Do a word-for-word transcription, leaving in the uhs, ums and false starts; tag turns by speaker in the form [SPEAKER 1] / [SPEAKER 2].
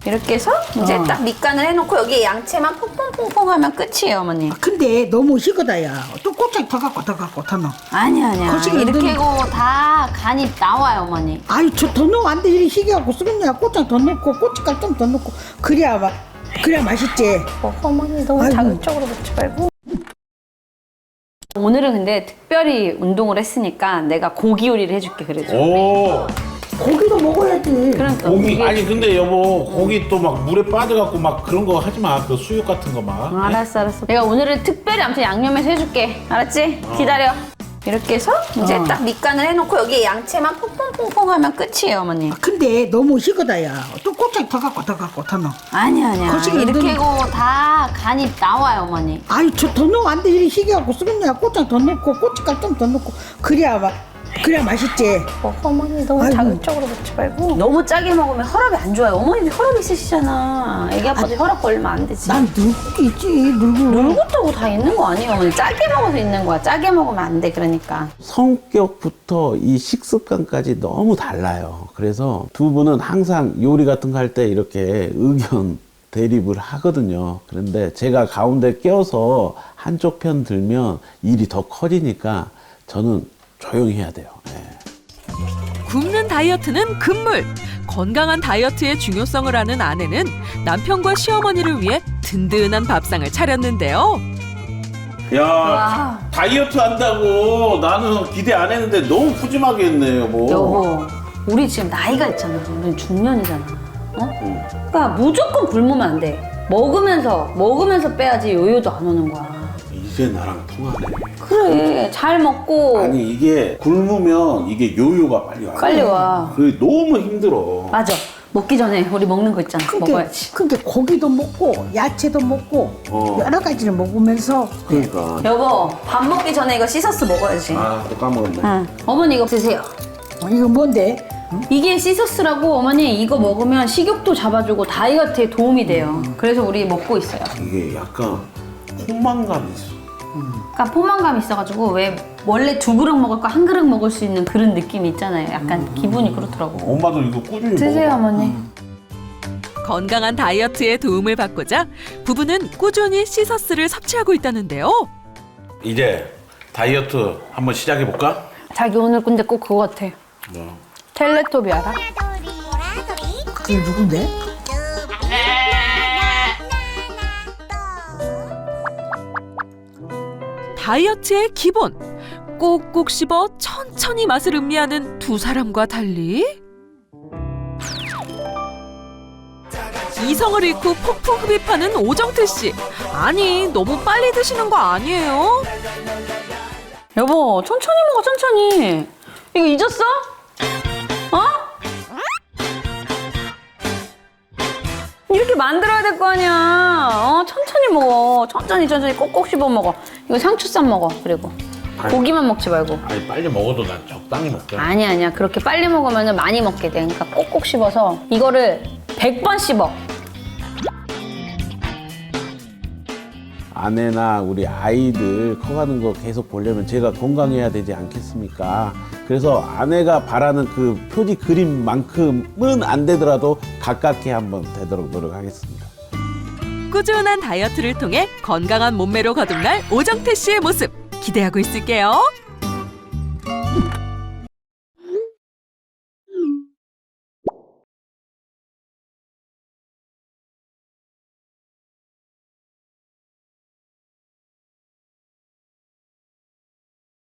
[SPEAKER 1] 이렇게 해서 이제
[SPEAKER 2] 어.
[SPEAKER 1] 딱 밑간을 해놓고 여기 양채만 퐁퐁퐁퐁 하면 끝이에요, 어머니.
[SPEAKER 2] 근데 너무 식어다, 야. 또 꼬창 더 갖고 더 갖고 더 넣어.
[SPEAKER 1] 아니 아니야.
[SPEAKER 2] 거시기는
[SPEAKER 1] 이렇게
[SPEAKER 2] 넣으면-
[SPEAKER 1] 하고 다 간이 나와요, 어머니.
[SPEAKER 2] 아유, 저 더 넣으면 안 돼. 이렇게 희귀하고 쓰겠냐. 꼬창 더 넣고, 고춧가루 좀 더 넣고. 그래야, 마, 그래야 맛있지.
[SPEAKER 1] 어, 어머니 너무
[SPEAKER 2] 아이고.
[SPEAKER 1] 자극적으로 먹지 말고. 오늘은 근데 특별히 운동을 했으니까 내가 고기 요리를 해줄게, 그래도.
[SPEAKER 3] 오
[SPEAKER 2] 고기도 먹어야지.
[SPEAKER 1] 그러니까
[SPEAKER 3] 고기
[SPEAKER 1] 고기-
[SPEAKER 3] 아니 근데 여보 고기 또 막 물에 빠져갖고 막 그런 거 하지 마. 그 수육 같은 거 막.
[SPEAKER 1] 알았어, 알았어. 내가 오늘은 특별히 아무튼 양념해서 해줄게. 알았지? 기다려. 이렇게 해서 이제
[SPEAKER 2] 어.
[SPEAKER 1] 딱 밑간을 해놓고 여기 양채만 퐁퐁퐁퐁 하면 끝이에요, 어머니.
[SPEAKER 2] 근데 너무 식어다, 야. 또 꼬창 더 갖고 더 갖고 더 넣어.
[SPEAKER 1] 아니 아니야.
[SPEAKER 2] 거시기는
[SPEAKER 1] 이렇게
[SPEAKER 2] 넣으면-
[SPEAKER 1] 하고 다 간이 나와요, 어머니.
[SPEAKER 2] 아유, 저 더 넣으면 안 돼. 이렇게 희귀하고 쓰겠냐. 꼬창 더 넣고, 고춧가루 좀 더 넣고. 그래야, 마, 그래야 맛있지.
[SPEAKER 1] 어, 어머니 너무
[SPEAKER 2] 아이고.
[SPEAKER 1] 자극적으로 먹지 말고. 너무 짜게 먹으면 혈압이 안 좋아요. 어머니도 혈압 있으시잖아. 애기 아빠도 혈압 걸리면 안 되지.
[SPEAKER 2] 난 늙고 있지, 늙고.
[SPEAKER 1] 늙었다고 다 있는 거 아니에요, 어머니. 짜게 먹어서 있는 거야. 짜게 먹으면 안 돼, 그러니까.
[SPEAKER 4] 성격부터 이 식습관까지 너무 달라요. 그래서 두 분은 항상 요리 같은 거 할 때 이렇게 의견 대립을 하거든요. 그런데 제가 가운데 껴서 한쪽 편 들면 일이 더 커지니까 저는 조용히 해야 돼요. 예.
[SPEAKER 5] 굶는 다이어트는 금물. 건강한 다이어트의 중요성을 아는 아내는 남편과 시어머니를 위해 든든한 밥상을 차렸는데요.
[SPEAKER 3] 야
[SPEAKER 1] 와.
[SPEAKER 3] 다이어트 한다고 나는 기대 안 했는데 너무 푸짐하게 했네 여보.
[SPEAKER 1] 여보, 우리 지금 나이가 있잖아. 우리 중년이잖아. 어? 그러니까 무조건 굶으면 안 돼. 먹으면서, 먹으면서 빼야지 요요도 안 오는 거야.
[SPEAKER 3] 이제 나랑 통하네.
[SPEAKER 1] 그래, 잘 먹고.
[SPEAKER 3] 아니 이게 굶으면 이게 요요가 빨리 와.
[SPEAKER 1] 빨리 와.
[SPEAKER 3] 그게 너무 힘들어.
[SPEAKER 1] 맞아. 먹기 전에 우리 먹는 거 있잖아.
[SPEAKER 2] 근데,
[SPEAKER 1] 먹어야지.
[SPEAKER 2] 근데 고기도 먹고, 야채도 먹고,
[SPEAKER 3] 어.
[SPEAKER 2] 여러 가지를 먹으면서.
[SPEAKER 3] 그러니까.
[SPEAKER 1] 여보, 밥 먹기 전에 이거 씻어서 먹어야지.
[SPEAKER 3] 아 또 까먹었네.
[SPEAKER 1] 응. 어머니 이거 드세요.
[SPEAKER 2] 어, 이거 뭔데?
[SPEAKER 1] 이게 시서스라고 어머니 이거 먹으면 식욕도 잡아주고 다이어트에 도움이 돼요. 그래서 우리 먹고 있어요.
[SPEAKER 3] 이게 약간 포만감이 있어.
[SPEAKER 1] 그러니까 포만감 있어가지고 왜 원래 두 그릇 먹을 거 한 그릇 먹을 수 있는 그런 느낌이 있잖아요. 약간 기분이 그렇더라고.
[SPEAKER 3] 엄마도 이거 꾸준히
[SPEAKER 1] 드세요,
[SPEAKER 3] 먹어.
[SPEAKER 1] 어머니.
[SPEAKER 5] 건강한 다이어트에 도움을 받고자 부부는 꾸준히 시서스를 섭취하고 있다는데요.
[SPEAKER 3] 이제 다이어트 한번 시작해 볼까?
[SPEAKER 1] 자기 오늘 근데 꼭 그거 같아.
[SPEAKER 3] 뭐?
[SPEAKER 1] 텔레토비 알아?
[SPEAKER 2] 그게 누군데?
[SPEAKER 5] 다이어트의 기본. 꼭꼭 씹어 천천히 맛을 음미하는 두 사람과 달리 이성을 잃고 폭풍 흡입하는 오정태 씨. 아니, 너무 빨리 드시는 거 아니에요?
[SPEAKER 1] 여보, 천천히 먹어, 천천히. 이거 잊었어? 어? 이렇게 만들어야 될 거 아니야. 어, 천천히 먹어. 천천히, 천천히 꼭꼭 씹어 먹어. 이거 상추쌈 먹어, 그리고. 고기만 먹지 말고.
[SPEAKER 3] 아니 빨리 먹어도 난 적당히 먹게.
[SPEAKER 1] 아니, 아니야. 그렇게 빨리 먹으면 많이 먹게 돼. 그러니까 꼭꼭 씹어서 이거를 백 번 씹어.
[SPEAKER 4] 아내나 우리 아이들 커가는 거 계속 보려면 제가 건강해야 되지 않겠습니까? 그래서 아내가 바라는 그 표지 그림만큼은 안 되더라도 가깝게 한번 되도록 노력하겠습니다.
[SPEAKER 5] 꾸준한 다이어트를 통해 건강한 몸매로 거듭날 오정태 씨의 모습 기대하고 있을게요.